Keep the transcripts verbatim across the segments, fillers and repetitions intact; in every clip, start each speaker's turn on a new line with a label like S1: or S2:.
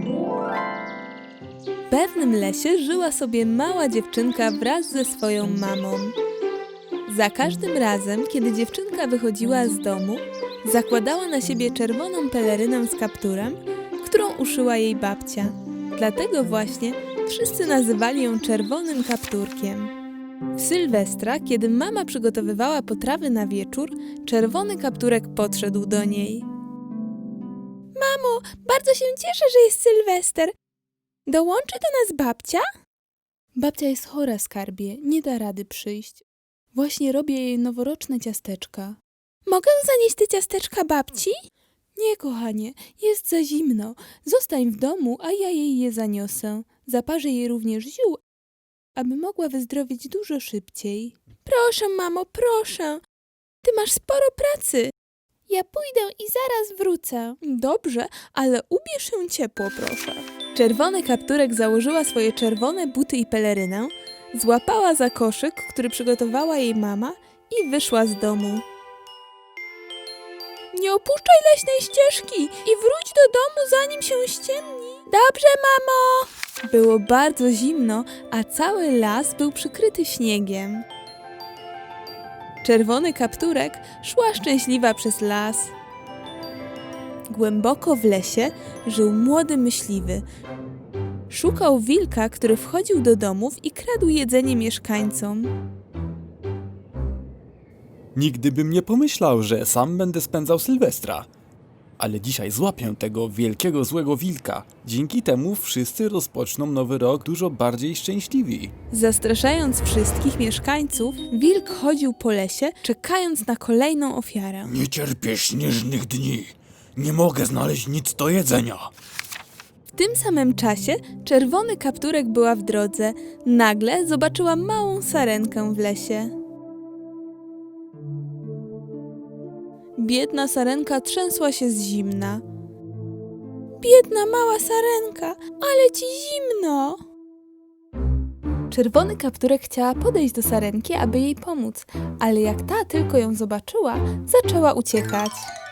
S1: W pewnym lesie żyła sobie mała dziewczynka wraz ze swoją mamą. Za każdym razem, kiedy dziewczynka wychodziła z domu, zakładała na siebie czerwoną pelerynę z kapturem, którą uszyła jej babcia. Dlatego właśnie wszyscy nazywali ją czerwonym kapturkiem. W Sylwestra, kiedy mama przygotowywała potrawy na wieczór, czerwony kapturek podszedł do niej. Mamo, bardzo się cieszę, że jest Sylwester. Dołączy do nas babcia? Babcia jest chora, skarbie, nie da rady przyjść. Właśnie robię jej noworoczne ciasteczka. Mogę zanieść te ciasteczka babci? Nie, kochanie, jest za zimno. Zostań w domu, a ja jej je zaniosę. Zaparzę jej również ziół, aby mogła wyzdrowieć dużo szybciej. Proszę, mamo, proszę. Ty masz sporo pracy. Ja pójdę i zaraz wrócę. Dobrze, ale ubierz się ciepło, proszę. Czerwony kapturek założyła swoje czerwone buty i pelerynę, złapała za koszyk, który przygotowała jej mama i wyszła z domu. Nie opuszczaj leśnej ścieżki i wróć do domu, zanim się ściemni. Dobrze, mamo! Było bardzo zimno, a cały las był przykryty śniegiem. Czerwony kapturek szła szczęśliwa przez las. Głęboko w lesie żył młody myśliwy. Szukał wilka, który wchodził do domów i kradł jedzenie mieszkańcom.
S2: Nigdy bym nie pomyślał, że sam będę spędzał Sylwestra. Ale dzisiaj złapię tego wielkiego złego wilka. Dzięki temu wszyscy rozpoczną nowy rok dużo bardziej szczęśliwi.
S1: Zastraszając wszystkich mieszkańców, wilk chodził po lesie, czekając na kolejną ofiarę.
S2: Nie cierpię śnieżnych dni. Nie mogę znaleźć nic do jedzenia.
S1: W tym samym czasie czerwony kapturek była w drodze. Nagle zobaczyła małą sarenkę w lesie. Biedna sarenka trzęsła się z zimna. Biedna mała sarenka, ale ci zimno! Czerwony kapturek chciała podejść do sarenki, aby jej pomóc, ale jak ta tylko ją zobaczyła, zaczęła uciekać.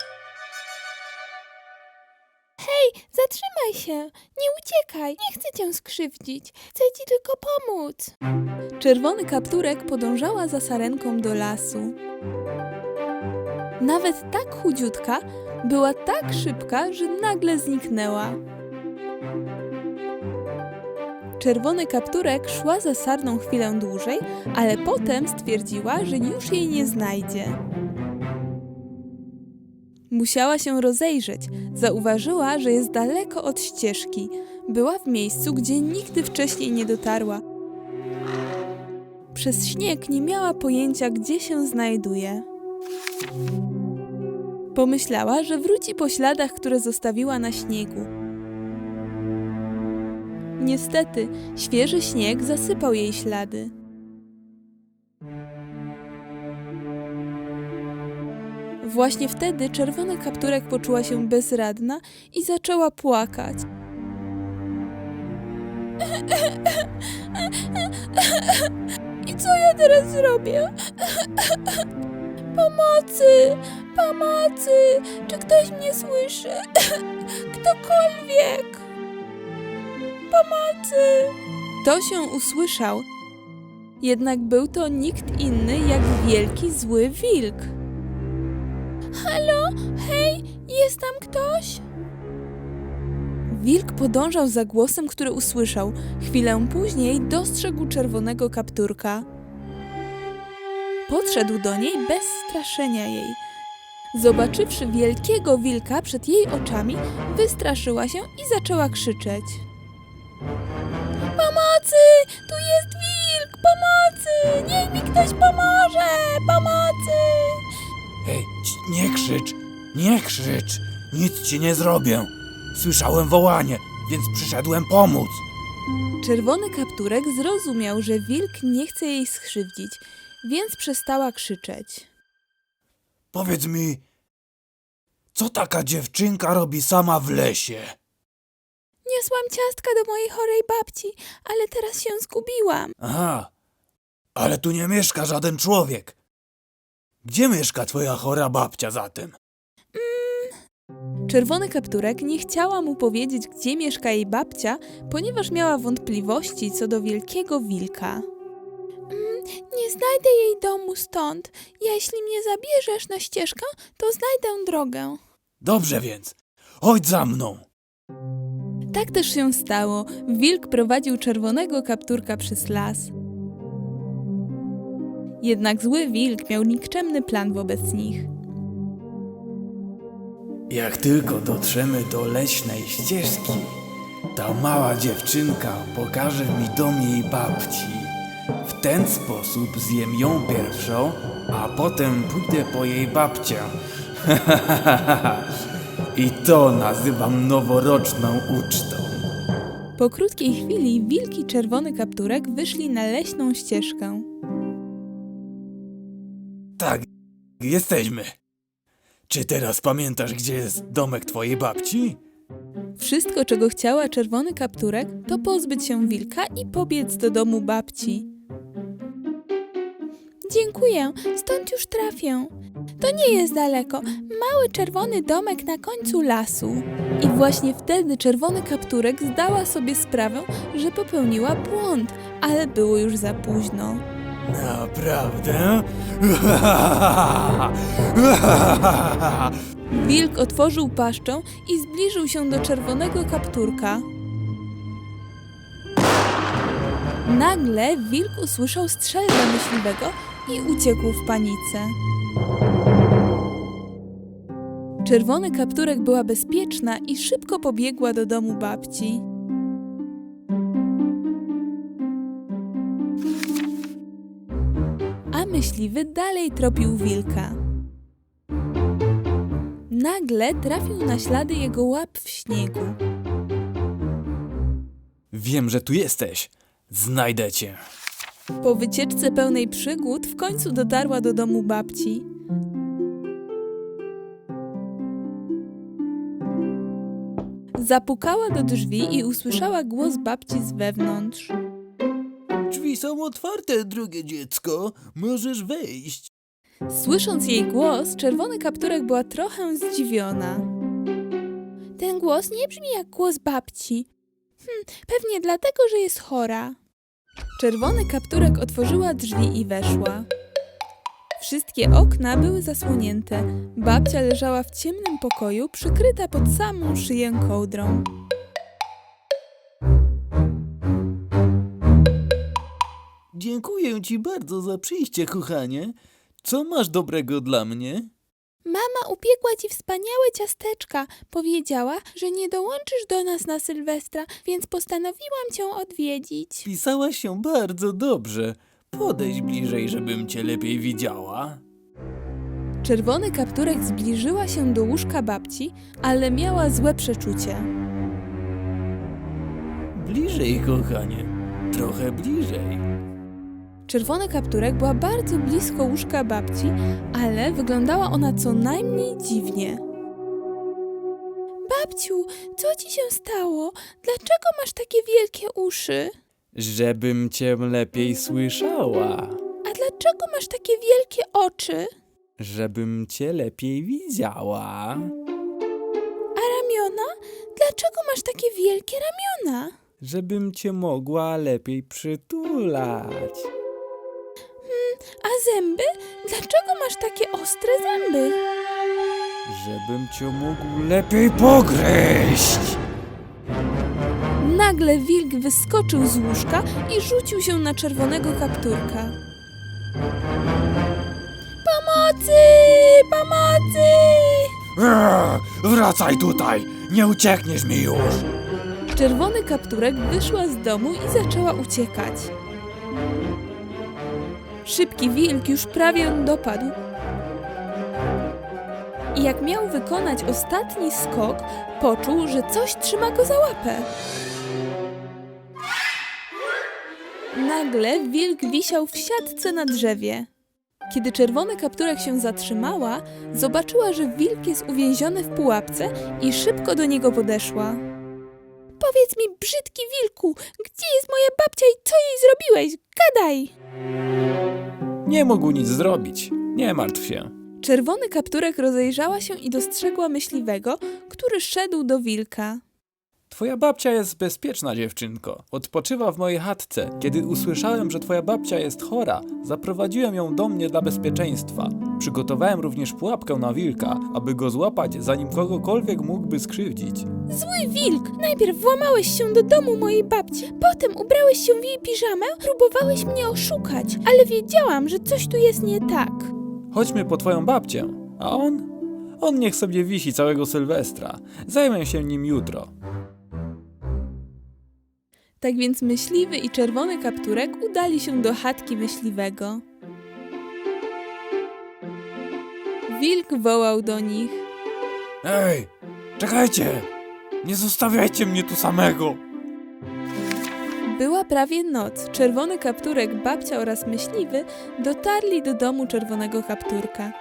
S1: Hej, zatrzymaj się! Nie uciekaj! Nie chcę cię skrzywdzić! Chcę ci tylko pomóc! Czerwony kapturek podążała za sarenką do lasu. Nawet tak chudziutka, była tak szybka, że nagle zniknęła. Czerwony kapturek szła za sarną chwilę dłużej, ale potem stwierdziła, że już jej nie znajdzie. Musiała się rozejrzeć. Zauważyła, że jest daleko od ścieżki. Była w miejscu, gdzie nigdy wcześniej nie dotarła. Przez śnieg nie miała pojęcia, gdzie się znajduje. Pomyślała, że wróci po śladach, które zostawiła na śniegu. Niestety, świeży śnieg zasypał jej ślady. Właśnie wtedy czerwony kapturek poczuła się bezradna i zaczęła płakać. I co ja teraz zrobię? Pomocy! Pomocy! Czy ktoś mnie słyszy? Ktokolwiek! Pomocy! To się usłyszał. Jednak był to nikt inny jak wielki, zły wilk. Halo? Hej, jest tam ktoś? Wilk podążał za głosem, który usłyszał. Chwilę później dostrzegł czerwonego kapturka. Podszedł do niej bez straszenia jej. Zobaczywszy wielkiego wilka przed jej oczami, wystraszyła się i zaczęła krzyczeć. Pomocy! Tu jest wilk! Pomocy! Niech mi ktoś pomoże! Pomocy!
S2: Hej, nie krzycz, nie krzycz. Nic ci nie zrobię. Słyszałem wołanie, więc przyszedłem pomóc.
S1: Czerwony kapturek zrozumiał, że wilk nie chce jej skrzywdzić, więc przestała krzyczeć.
S2: Powiedz mi, co taka dziewczynka robi sama w lesie?
S1: Niosłam ciastka do mojej chorej babci, ale teraz się zgubiłam.
S2: Aha, ale tu nie mieszka żaden człowiek. Gdzie mieszka twoja chora babcia zatem?
S1: Czerwony kapturek nie chciała mu powiedzieć, gdzie mieszka jej babcia, ponieważ miała wątpliwości co do wielkiego wilka. Mm, nie znajdę jej domu stąd. Jeśli mnie zabierzesz na ścieżkę, to znajdę drogę.
S2: Dobrze więc, chodź za mną.
S1: Tak też się stało. Wilk prowadził czerwonego kapturka przez las. Jednak zły wilk miał nikczemny plan wobec nich.
S2: Jak tylko dotrzemy do leśnej ścieżki, ta mała dziewczynka pokaże mi dom jej babci. W ten sposób zjem ją pierwszą, a potem pójdę po jej babcię. I to nazywam noworoczną ucztą.
S1: Po krótkiej chwili wilk i czerwony kapturek wyszli na leśną ścieżkę.
S2: Tak, jesteśmy. Czy teraz pamiętasz, gdzie jest domek twojej babci?
S1: Wszystko, czego chciała czerwony kapturek, to pozbyć się wilka i pobiec do domu babci. Dziękuję, stąd już trafię. To nie jest daleko. Mały czerwony domek na końcu lasu. I właśnie wtedy czerwony kapturek zdała sobie sprawę, że popełniła błąd, ale było już za późno.
S2: Naprawdę?
S1: Wilk otworzył paszczę i zbliżył się do czerwonego kapturka. Nagle wilk usłyszał strzelbę myśliwego i uciekł w panice. Czerwony kapturek była bezpieczna i szybko pobiegła do domu babci. A myśliwy dalej tropił wilka. Nagle trafił na ślady jego łap w śniegu.
S2: Wiem, że tu jesteś. Znajdę cię.
S1: Po wycieczce pełnej przygód w końcu dotarła do domu babci. Zapukała do drzwi i usłyszała głos babci z wewnątrz.
S3: Drzwi są otwarte, drogie dziecko. Możesz wejść.
S1: Słysząc jej głos, czerwony kapturek była trochę zdziwiona. Ten głos nie brzmi jak głos babci. Hm, pewnie dlatego, że jest chora. Czerwony kapturek otworzyła drzwi i weszła. Wszystkie okna były zasłonięte. Babcia leżała w ciemnym pokoju, przykryta pod samą szyję kołdrą.
S3: Dziękuję ci bardzo za przyjście, kochanie. Co masz dobrego dla mnie?
S1: Mama upiekła ci wspaniałe ciasteczka. Powiedziała, że nie dołączysz do nas na Sylwestra, więc postanowiłam cię odwiedzić.
S3: Pisałaś się bardzo dobrze. Podejdź bliżej, żebym cię lepiej widziała.
S1: Czerwony kapturek zbliżyła się do łóżka babci, ale miała złe przeczucie.
S3: Bliżej, kochanie. Trochę bliżej.
S1: Czerwony kapturek była bardzo blisko łóżka babci, ale wyglądała ona co najmniej dziwnie. Babciu, co ci się stało? Dlaczego masz takie wielkie uszy?
S2: Żebym cię lepiej słyszała.
S1: A dlaczego masz takie wielkie oczy?
S2: Żebym cię lepiej widziała.
S1: A ramiona? Dlaczego masz takie wielkie ramiona?
S2: Żebym cię mogła lepiej przytulać.
S1: A zęby? Dlaczego masz takie ostre zęby?
S2: Żebym cię mógł lepiej pogryźć.
S1: Nagle wilk wyskoczył z łóżka i rzucił się na czerwonego kapturka. Pomocy! Pomocy!
S2: Eee, wracaj tutaj! Nie uciekniesz mi już!
S1: Czerwony kapturek wyszła z domu i zaczęła uciekać. Szybki wilk już prawie ją dopadł. I jak miał wykonać ostatni skok, poczuł, że coś trzyma go za łapę. Nagle wilk wisiał w siatce na drzewie. Kiedy czerwony kapturek się zatrzymała, zobaczyła, że wilk jest uwięziony w pułapce i szybko do niego podeszła. Powiedz mi, brzydki wilku, gdzie jest moja babcia i co jej zrobiłeś? Gadaj!
S2: Nie mógł nic zrobić. Nie martw się.
S1: Czerwony kapturek rozejrzała się i dostrzegła myśliwego, który szedł do wilka.
S2: Twoja babcia jest bezpieczna, dziewczynko. Odpoczywa w mojej chatce. Kiedy usłyszałem, że twoja babcia jest chora, zaprowadziłem ją do mnie dla bezpieczeństwa. Przygotowałem również pułapkę na wilka, aby go złapać, zanim kogokolwiek mógłby skrzywdzić.
S1: Zły wilk! Najpierw włamałeś się do domu mojej babci, potem ubrałeś się w jej piżamę, próbowałeś mnie oszukać, ale wiedziałam, że coś tu jest nie tak.
S2: Chodźmy po twoją babcię. A on? On niech sobie wisi całego Sylwestra. Zajmę się nim jutro.
S1: Tak więc myśliwy i czerwony kapturek udali się do chatki myśliwego. Wilk wołał do nich.
S2: Ej, czekajcie! Nie zostawiajcie mnie tu samego!
S1: Była prawie noc. Czerwony kapturek, babcia oraz myśliwy dotarli do domu czerwonego kapturka.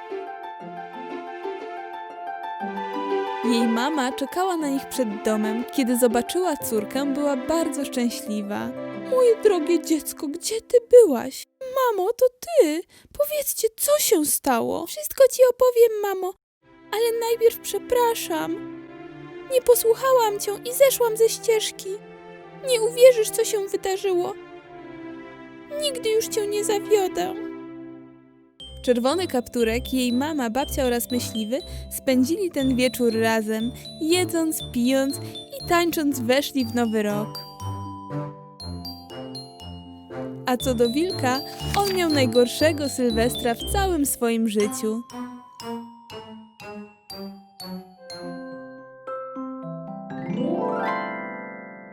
S1: Jej mama czekała na nich przed domem. Kiedy zobaczyła córkę, była bardzo szczęśliwa. Moje drogie dziecko, gdzie ty byłaś? Mamo, to ty! Powiedzcie, co się stało? Wszystko ci opowiem, mamo, ale najpierw przepraszam. Nie posłuchałam cię i zeszłam ze ścieżki. Nie uwierzysz, co się wydarzyło. Nigdy już cię nie zawiodę. Czerwony kapturek, jej mama, babcia oraz myśliwy spędzili ten wieczór razem, jedząc, pijąc i tańcząc weszli w nowy rok. A co do wilka, on miał najgorszego Sylwestra w całym swoim życiu.